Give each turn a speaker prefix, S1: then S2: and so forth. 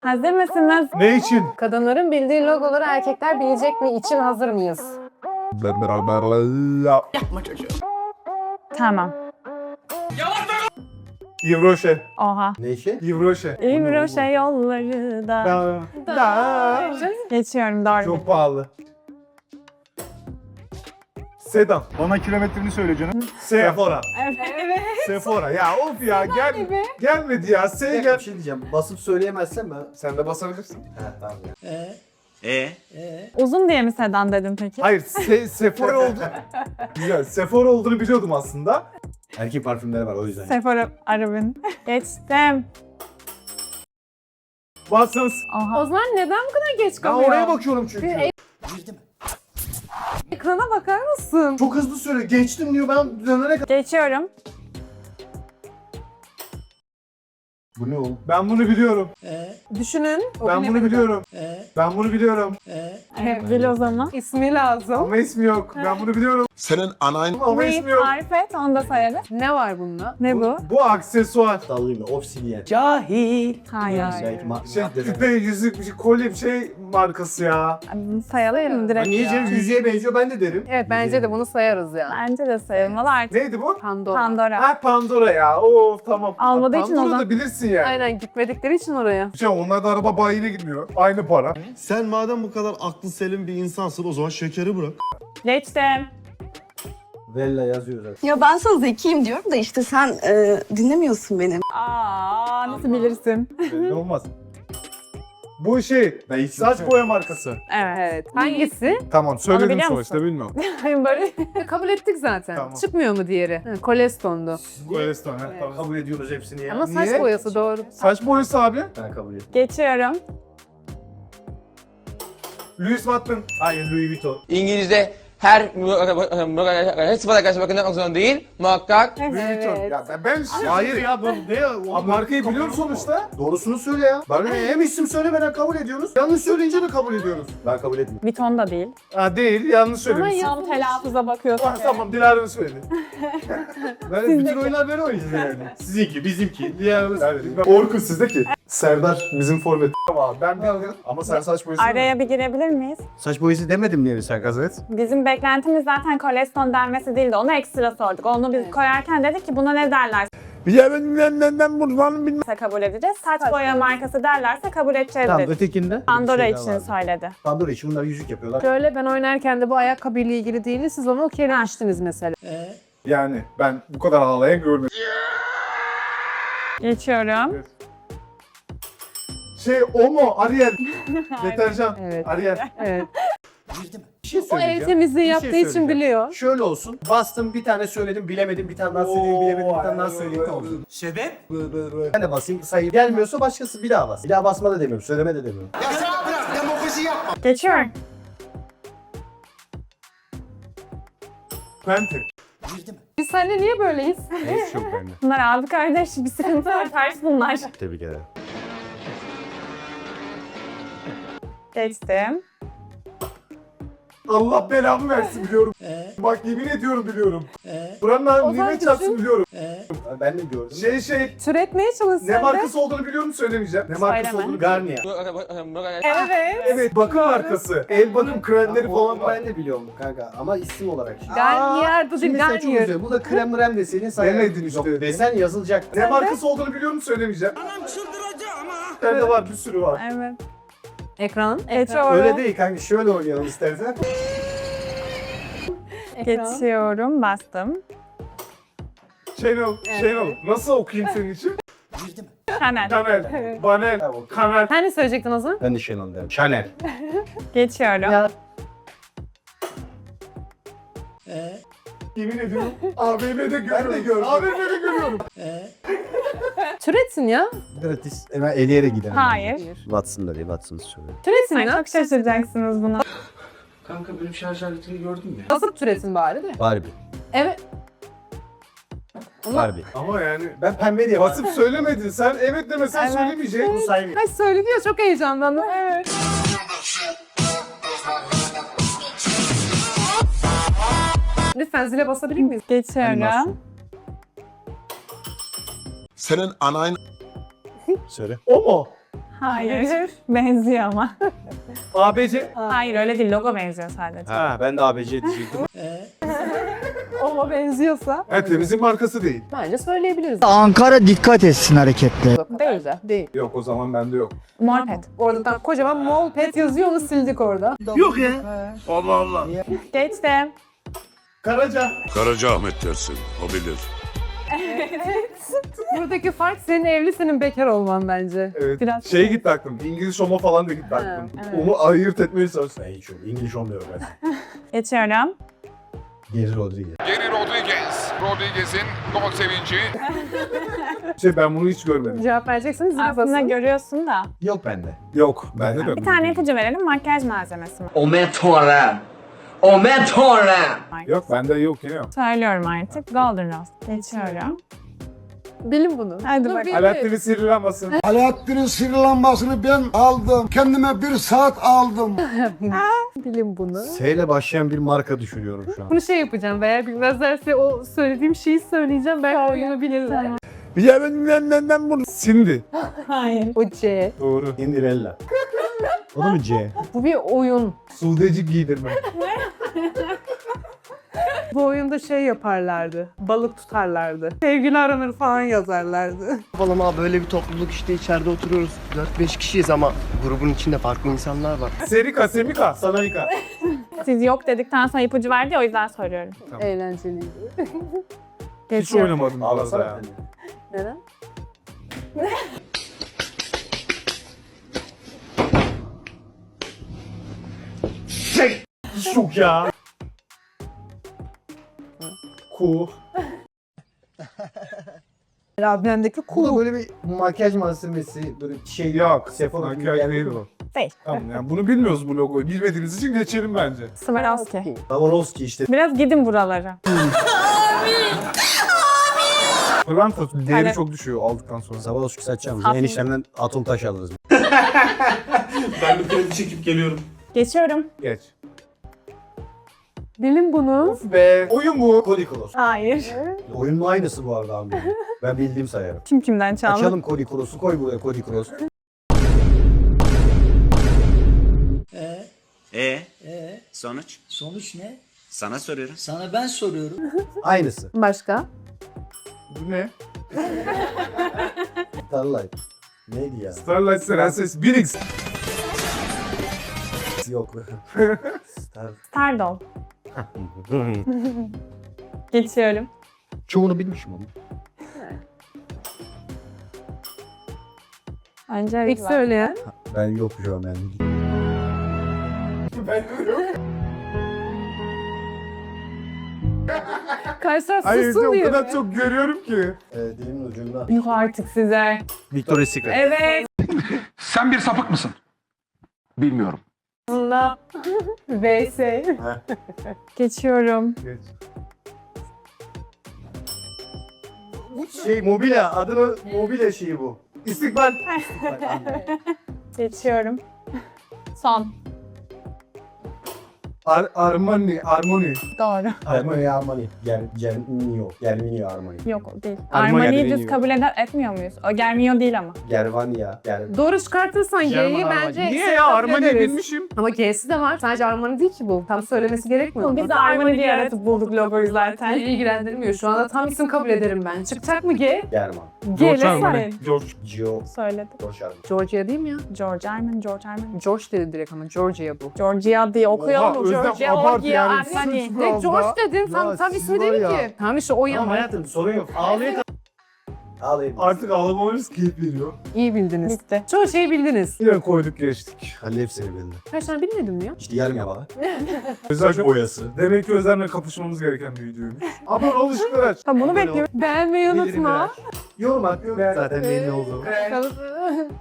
S1: Hazır mısınız?
S2: Ne için?
S3: Kadınların bildiği logoları erkekler bilecek mi için hazır mıyız?
S1: Tamam.
S2: Yves Rocher.
S1: Oha.
S4: Ne işi?
S2: Yves Rocher.
S1: İmroşe yolları da.
S2: Da.
S1: Geçiyorum doğru.
S2: Çok pahalı. Sedan.
S5: Bana kilometrini söyle canım.
S2: Sephora.
S1: Evet.
S2: Sephora. Ya of ya gelmedi ya.
S4: Bir
S2: Gel.
S4: şey diyeceğim. Basıp söyleyemezsem ben...
S2: Sen de basabilirsin.
S4: He tamam ya.
S1: Uzun diye mi sedan dedim peki?
S2: Hayır, Sephora oldu. Güzel. Sephora olduğunu biliyordum aslında.
S4: Erkek parfümleri var o yüzden.
S1: Sephora Arabin. Geçtim.
S2: Basınız.
S1: Oha.
S3: O zaman neden bu kadar geç
S2: Ben
S3: kalıyor?
S2: oraya bakıyorum çünkü.
S4: Girdim.
S3: Ekrana bakar mısın?
S2: Çok hızlı söyle. Geçtim diyor. Ben dönene kadar.
S1: Geçiyorum.
S4: Bu ne oğlum?
S2: Ben bunu biliyorum.
S3: Düşünün. O
S2: Ben bunu
S3: bilemedi.
S2: biliyorum. Ben bunu biliyorum.
S1: Evet, bil o zaman.
S3: İsmi lazım.
S2: Ama ismi yok. Ben bunu biliyorum.
S6: Senin anan
S2: Ama
S1: Neyi
S2: ismi yok.
S1: tarif et onu da sayarız.
S3: Ne var bunda?
S1: Ne bu?
S2: Bu aksesuar.
S4: Sallayayım mı? Obsidiyen.
S1: Hayır.
S4: Belki
S2: Şey, küpe, yüzük, bir şey, kolye bir şey markası ya.
S1: Sayalım mı direkt?
S4: Niye canım? Yüzüğe benziyor ben de derim.
S3: Evet bence de bunu sayarız ya.
S1: Bence de sayılmalı artık.
S2: Neydi bu?
S3: Pandora.
S1: Pandora.
S2: Ha Pandora ya. Oo tamam.
S1: Almadığı için o
S2: Pandora
S1: zaman-
S2: da bilirsin yani.
S3: Aynen gitmedikleri için oraya.
S2: Şey, onlar da araba bayine gitmiyor. Aynı para.
S5: Sen madem bu kadar aklı selim bir insansın o zaman şekeri bırak.
S1: Geçtim.
S4: Vella yazıyor zaten.
S7: Ya ben sana zekiyim diyorum da işte sen dinlemiyorsun beni.
S1: Aa, nasıl bilirsin?
S2: Belli olmaz. Bu şey, saç boya markası.
S1: Evet.
S3: Evet. Hangisi?
S2: Tamam, söyledim
S1: biliyor
S2: sonuçta,
S1: musun?
S2: bilmiyorum.
S1: Böyle
S3: Kabul ettik zaten.
S2: Tamam.
S3: Çıkmıyor mu diğeri? Ha, Koleston'du.
S2: Kolesterol, he, tamam.
S4: Kabul ediyoruz hepsini ya.
S3: Ama saç
S2: Niye?
S3: boyası doğru.
S2: Saç boyası abi.
S4: Ben kabul ediyorum.
S1: geçiyorum.
S2: Louis Vuitton.
S4: Hayır Louis Vuitton.
S8: İngilizce her sıfata karşı bakmak zorunda değil. Muhakkak
S2: Louis Vuitton.
S3: Evet.
S2: Ya ben
S4: Hayır ya bu ne ya?
S2: Abi markayı biliyorum sonuçta.
S4: Doğrusunu söyle ya. Ben hem isim söylemeden kabul ediyoruz. Yanlış söyleyince de kabul ediyoruz. Ben kabul etmiyorum.
S1: Vuitton da değil.
S2: Ha değil, yanlış söylemişsin.
S1: Tam telaffuza bakıyorsun.
S2: Ah, tamam, Dilara'nın söyledi.
S4: Böyle bütün oyunlar böyle oynayacağız yani. Sizinki, bizimki.
S2: Dilara'nın. Orkun sizdeki. Serdar bizim forvet. Tamam, ben bilmiyorum. Ama sen saç boyası
S1: Araya bir girebilir miyiz?
S4: Saç boyası demedim diye sen gazet.
S1: Bizim beklentimiz zaten Koleston denmesi değildi. Onu ekstra sorduk. Onu biz koyarken dedik ki buna ne derlerse kabul edeceğiz. Saç boya markası derlerse kabul edeceğiz
S4: Tamam
S1: dedik.
S4: ötekinde.
S1: Pandora
S4: Bir şey daha
S1: için
S4: vardı.
S1: söyledi.
S4: Pandora için bunlar yüzük yapıyorlar.
S3: Şöyle ben oynarken de bu ayakkabıyla ilgili değil, siz onu okeylemiştiniz mesela.
S2: Yani ben bu kadar ağlayan görmedim.
S1: Geçiyorum.
S2: Şey, Omo, Ariel. Deterjan.
S3: Evet.
S2: Ariel.
S3: Evet.
S4: Bir şey
S3: O el
S4: söyleyeceğim.
S3: temizliği
S4: Bir şey
S3: yaptığı için
S4: söyleyeceğim.
S3: biliyor.
S4: Şöyle olsun. Bastım bir tane söyledim bilemedim bir tane daha söyleyeyim bilemedim bir tane daha söyleyeyim ne olsun. Sebep? Ben de basayım sayı gelmiyorsa başkası bir daha bas. Bir daha basma da demiyorum söyleme de demiyorum.
S1: Geçiyorum.
S2: Pente.
S3: Biz seninle niye böyleyiz?
S4: Neyse yok bende.
S1: Bunlar abi kardeş bir sıkıntı var. Ters bunlar.
S4: Tebrik ederim.
S1: Geçtim.
S2: Allah belamı versin biliyorum. Bak yemin ediyorum biliyorum. Buranın
S3: zaman
S2: nimet çarpsın
S3: düşün.
S2: biliyorum.
S4: Ben de gördüm.
S2: Şey,
S3: Türetmeye çalış
S2: ne
S3: sen de.
S2: markası olduğunu biliyorum, söylemeyeceğim. Ne markası
S1: Söyleme.
S2: olduğunu
S4: Garnier.
S1: Evet.
S2: Evet, bakım markası. El bakım kremleri falan
S4: Onu
S2: var.
S4: ben de biliyorum kanka ama isim olarak şimdi.
S3: Garnier,
S4: Şimdi mesela çok
S3: Garnier.
S4: güzel. Bu da krem mrem desenin sayı.
S2: Demedin işte.
S4: Yok, desen yazılacak.
S2: Ne markası olduğunu biliyorum, söylemeyeceğim. Anam çıldıracağım ha. Bende var, bir sürü var.
S1: Evet.
S3: Ekran.
S1: Geçiyorum.
S4: Öyle değil kanka şöyle oynayalım istersen.
S3: Ekran.
S1: Geçiyorum. Bastım.
S2: Channel. Nasıl okuyayım senin için?
S1: Chanel.
S2: Kanel, Banel,
S4: Tamam.
S2: Kanel.
S3: Sen ne söyleyecektin o zaman?
S4: Ben de Chanel derim. Chanel.
S1: Geçiyorum.
S3: Ya.
S2: Yemin ediyorum. AVM'de görüyorum. AVM'de görüyorum.
S3: Türetsin ya.
S4: Gratis. Hemen eleyerek gidelim.
S1: Hayır.
S4: Watson'da değil Watson'sı söyle.
S3: Türetsin
S1: Ay,
S3: ya.
S1: çok şaşıracaksınız buna.
S8: Kanka benim şarj aletini gördün mü?
S3: Basıp türetsin bari de.
S4: Barbie.
S3: Evet.
S4: Barbie.
S2: Ama yani
S4: Ben pembe diye
S2: basıp söylemedin. Sen evet demesen
S1: Evet.
S2: söylemeyecek.
S4: Bunu saymıyorum.
S3: Ay söyledi ya çok heyecanlandım. Evet. Lütfen zile basabilir miyiz?
S1: Geçiyorum.
S4: Animasyon.
S6: senin anan
S4: Söyle.
S2: O mu?
S1: Hayır. Benziyor ama.
S4: ABC.
S1: Hayır öyle değil. Logo benziyor sadece.
S4: Ha ben de ABC diyecektim.
S3: Ona benziyorsa
S2: Evet, temizlik markası değil.
S3: bence söyleyebiliriz.
S6: Ankara dikkat etsin hareketle.
S3: Değil de. Değil.
S2: Yok, o zaman bende yok.
S1: Morpet.
S3: Orada da kocaman mol pet yazıyor, onu sildik orada.
S1: Geçtim.
S2: Karaca.
S5: Karacaahmet dersin, o bilir.
S3: Buradaki fark senin evli, senin bekar olman bence.
S2: Evet.
S1: Biraz
S2: Şey gitti aklım. İngiliz Homo falan da gitti aklım.
S1: evet.
S2: Onu ayırt etmeye çalıştım.
S4: Ben hiç yok. İngiliz olmuyorum ben.
S1: Geçiyorum.
S4: Geri Rodriguez.
S9: Geri Rodriguez. Rodriguez'in gol sevinci.
S2: Ben bunu hiç görmedim.
S3: Cevap vereceksiniz zil
S1: Aslında
S3: basın.
S1: görüyorsun da.
S4: Yok bende.
S2: Yok, bende de.
S1: Bir tane ipucu verelim. Makyaj malzemesi mi?
S2: Yok, bende yok yine yok.
S1: Söylüyorum artık. Golden Rose. Geçiyorum.
S3: Bilin bunu.
S1: Hadi
S3: Dur,
S1: bakalım.
S3: bilin.
S2: Alaaddin'in sihirli lambası.
S6: Alaaddin'in sihirli lambasını ben aldım. Kendime 1 saat aldım.
S3: Bilin bunu.
S4: S ile başlayan bir marka düşünüyorum şu an.
S3: Bunu şey yapacağım, veya bilmezlerse o söylediğim şeyi söyleyeceğim. Belki oyunu bilirler.
S2: Ben bunu. Sindi.
S1: Hayır.
S3: O C.
S2: Doğru.
S4: Cinderella. O da mı C?
S3: Bu bir oyun.
S2: Sudeci giydirme.
S3: Bu oyunda şey yaparlardı. Balık tutarlardı. Sevgili aranır falan yazarlardı.
S10: Yapalım abi, böyle bir topluluk işte, içeride oturuyoruz. 4-5 kişiyiz ama grubun içinde farklı insanlar var.
S2: Serika, Semika.
S4: Sanayika.
S1: Siz yok dedikten sonra ipucu verdi ya, o yüzden soruyorum.
S3: Eğlenceliydi.
S2: Hiç oynamadım bu arada
S4: Ağlasana
S2: ya.
S4: sen.
S3: Neden?
S2: Şok ya. Ku.
S3: Labirendeki
S4: Bu da
S3: kulu.
S4: böyle bir makyaj malzemesi, böyle şey
S2: Yok.
S4: Sephora gibi bir
S2: Makyaj
S4: yer
S2: değil
S4: mi?
S2: bu.
S1: Değil.
S2: Tamam, yani bunu bilmiyoruz bu logoyu. Bilmediğiniz için geçelim bence.
S1: Swarovski.
S4: Swarovski işte.
S1: Biraz gidin buralara.
S2: Pırlanta değeri
S1: Evet.
S2: çok düşüyor aldıktan sonra.
S4: Swarovski satacağım.
S1: Haklı.
S4: Eniştemden atom taş alırız.
S5: Ben bir kredi çekip geliyorum.
S1: Geçiyorum.
S2: Geç.
S3: Bilin bunu.
S2: Be. Oyun bu.
S4: Kolikolos.
S1: Hayır.
S4: Oyunun aynısı bu arada abi. Ben bildiğim sayarım.
S1: Kim kimden çaldı?
S4: Açalım Kolikolos'u, koy buraya Kolikolos.
S11: Sonuç?
S10: Sonuç ne?
S11: Sana soruyorum.
S10: Sana ben soruyorum.
S4: Aynısı.
S3: Başka?
S2: Bu ne?
S4: Starlight. Neydi ya?
S2: Starlight Prenses 1x.
S4: Yok. Star.
S1: Stardol. Geçiyorum.
S4: Çoğunu bilmişim ama.
S1: Önce
S3: İlk söyleyen.
S4: Ben yok şu an yani.
S3: Kaysar
S2: Hayır,
S3: sussun
S2: o
S3: diyor.
S2: kadar çok görüyorum ki.
S4: Dilimin ucunda.
S1: Yuh artık size.
S4: Victoria's Secret.
S1: Evet.
S9: Sen bir sapık mısın? Bilmiyorum.
S1: Bunda
S3: VS.
S1: geçiyorum.
S2: Geç.
S4: Şey mobilya, adını mobilya şeyi bu.
S2: İstikbal.
S1: Geçiyorum. Son.
S2: Armani.
S1: Doğru.
S4: Armani. Germinio Armani.
S1: Yok o değil.
S2: Armani
S1: Armani'yi
S2: Germinio.
S1: düz kabul etmiyor muyuz? O Germinio değil ama.
S4: Gervania.
S3: Doğru çıkartırsan G'yi
S4: German
S3: bence...
S2: Niye ya? Armani
S3: ederiz.
S2: bilmişim.
S3: Ama G'si de var. Sadece Armani değil ki bu. Tam söylemesi gerekmiyor mu?
S1: Biz de Armani diye yaratıp bulduk logoyu zaten.
S3: Beni ilgilendirmiyor. Şu anda tam isim kabul ederim ben. Çıkacak mı G?
S4: German.
S1: G ile
S2: George Armani.
S1: söyle.
S2: George.
S4: Gio.
S1: Söyledi.
S4: George Armani.
S3: Georgia değil mi ya?
S1: George Armani.
S3: George dedi direkt ama Georgia bu.
S1: Georgia diye okuyalım.
S2: Oha, Özlem,
S1: Georgia,
S2: abart
S1: Georgia,
S2: yani.
S1: Armani.
S2: Sus
S3: Direkt George dedin.
S4: Ya
S3: Tam
S4: siz
S3: ismi
S4: var
S3: değil
S4: ya.
S3: ki. Tamam işte o
S4: Tamam
S3: yana.
S4: hayatım sorun yok. Ağlayın. Ağlayın.
S2: Artık ağlamalarız keyif veriyor.
S3: İyi bildiniz.
S1: Bitti.
S3: Çoğu şeyi bildiniz.
S2: Yine koyduk geçtik.
S4: Halil hepsini bildi.
S3: Kaç tane bilmedim mi ya?
S4: İşte yarım yalan.
S2: Özel
S4: boyası.
S2: Demek ki Özlem'le kapışmamız gereken bir videoymuş. Abone ol, ışıkları aç.
S1: Tamam bunu bekliyorum.
S3: Beğenmeyi unutma.
S4: Yorum at. Zaten belli oldu.
S3: Kalıp-